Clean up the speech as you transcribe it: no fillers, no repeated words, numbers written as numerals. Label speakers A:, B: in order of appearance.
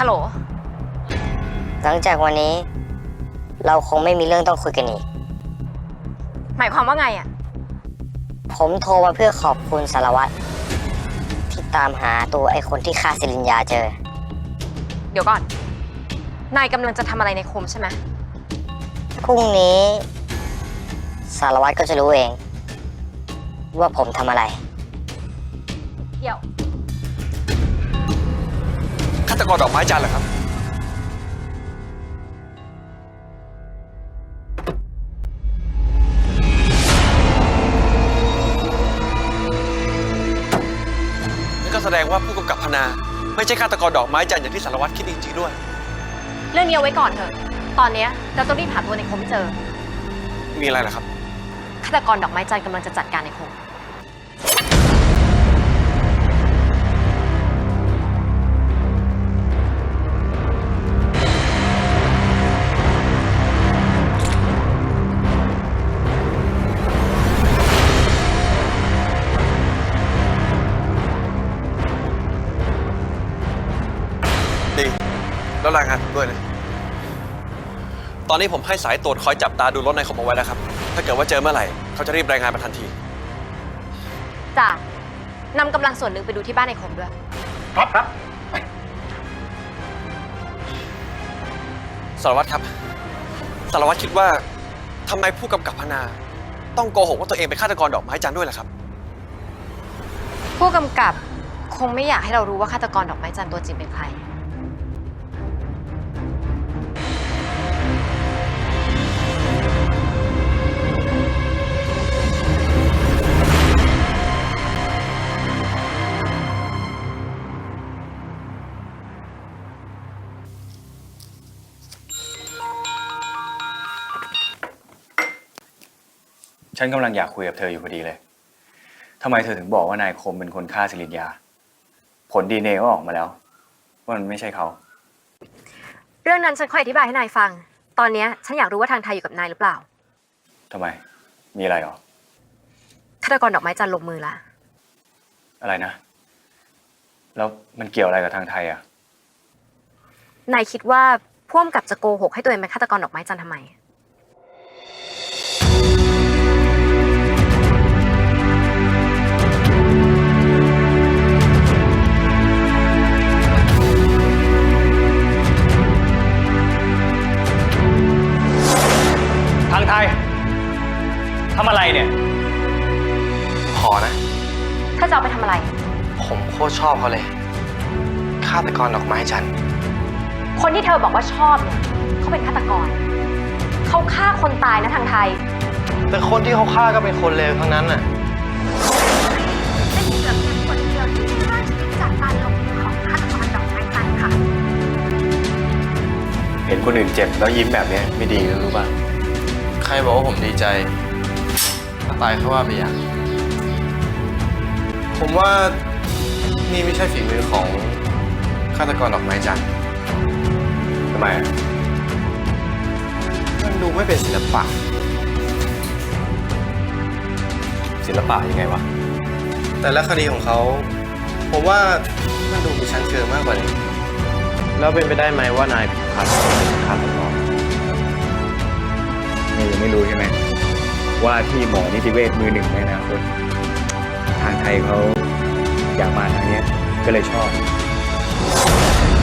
A: ล
B: หลังจากวันนี้เราคงไม่มีเรื่องต้องคุยกันอีก
A: หมายความว่าไงอะ
B: ผมโทรมาเพื่อขอบคุณสารวัตรที่ตามหาตัวไอ้คนที่ฆ่าศิริญญาเจอ
A: เดี๋ยวก่อนนายกำลังจะทำอะไรในคมใช่ไหม
B: พรุ่งนี้สารวัตรก็จะรู้เองว่าผมทำอะไร
A: เดี๋ยว
C: ฆาตกรดอกไม้จันทร์เหรอครับนั่นก็แสดงว่าผู้กำกับพนาไม่ใช่ฆาตกรดอกไม้จันทร์อย่างที่สารวัตรคิดจริงๆด้วย
A: เรื่องนี้เอาไว้ก่อนเถอะตอนนี้เราต้องรีบหาตัวในคมให้เจอ
C: มีอะไรเหรอครับ
A: ฆาตกรดอกไม้จันทร์กำลังจะจัดการในคม
C: ดีแล้วรายงานผมด้วยนะตอนนี้ผมให้สายตรวจคอยจับตาดูรถในคมเอาไว้แล้วครับถ้าเกิดว่าเจอเมื่อไหร่เขาจะรีบรายงานมาทันที
A: จ้านำกำลังส่วนหนึ่งไปดูที่บ้านในคมด้วย
D: ครับ
C: สารวัตรครับสารวัตรคิดว่าทำไมผู้กำกับพนาต้องโกหกว่าตัวเองเป็นฆาตกรดอกไม้จันทร์ด้วยล่ะครับ
A: ผู้กำกับคงไม่อยากให้เรารู้ว่าฆาตกรดอกไม้จันทร์ตัวจริงเป็นใคร
D: ฉันกำลังอยากคุยกับเธออยู่พอดีเลยทำไมเธอถึงบอกว่านายคมเป็นคนฆ่าศิริญญาผลDNAก็ออกมาแล้วว่ามันไม่ใช่เขา
A: เรื่องนั้นฉันค่อยอธิบายให้นายฟังตอนนี้ฉันอยากรู้ว่าทางไทยอยู่กับนายหรือเปล่า
D: ทำไมมีอะไรหรอ
A: ฆาตกรดอกไม้จันทร์ลงมือละ
D: อะไรนะแล้วมันเกี่ยวอะไรกับทางไทยอ่ะ
A: นายคิดว่าผู้กำกับจะโกหกให้ตัวเองเป็นฆาตกรดอกไม้จันทร์ทำไม
D: ทางไทยทำอะไรเนี่ย
E: ขอนะ
A: ถ้าจะเอาไปทำอะไร
E: ผมโคตรชอบเขาเลยฆาตกรดอกไม้จันทร์
A: คนที่เธอบอกว่าชอบเนี่ยเขาเป็นฆาตกรเขาฆ่าคนตายนะทางไทย
E: แต่คนที่เขาฆ่าก็เป็นคนเลวทั้งนั้นน่ะ
A: เป็นเพียงคนเดียวที่ฆ่าชีวิตจากการลงมือของฆาตกรดอกไม้จันทร์ค่ะ
D: เห็นคนอื่นเจ็บแล้วยิ้มแบบนี้ไม่ดีรู้ป่ะ
E: ใครบอกว่าผมดีใจถ้าตายเขาว่าไปอย่างผมว่านี่ไม่ใช่ฝีมือของฆาตกรดอกไม้จันทร์
D: ทำไม
E: มันดูไม่เป็นศิลปะ
D: ศิลปะยังไงวะ
E: แต่ละคดีของเขาผมว่ามันดูมีชั้นเชิงมากกว่านี้แล้วเป็นไปได้ไหมว่านายผิดพลาดเป็นฆาตกร
D: นี่ยังไม่รู้ใช่ไหมว่าที่หมอนิติเวชมือหนึ่งในอนาคตทางไทยเขาอยากมาทางนี้ก็เลยชอบ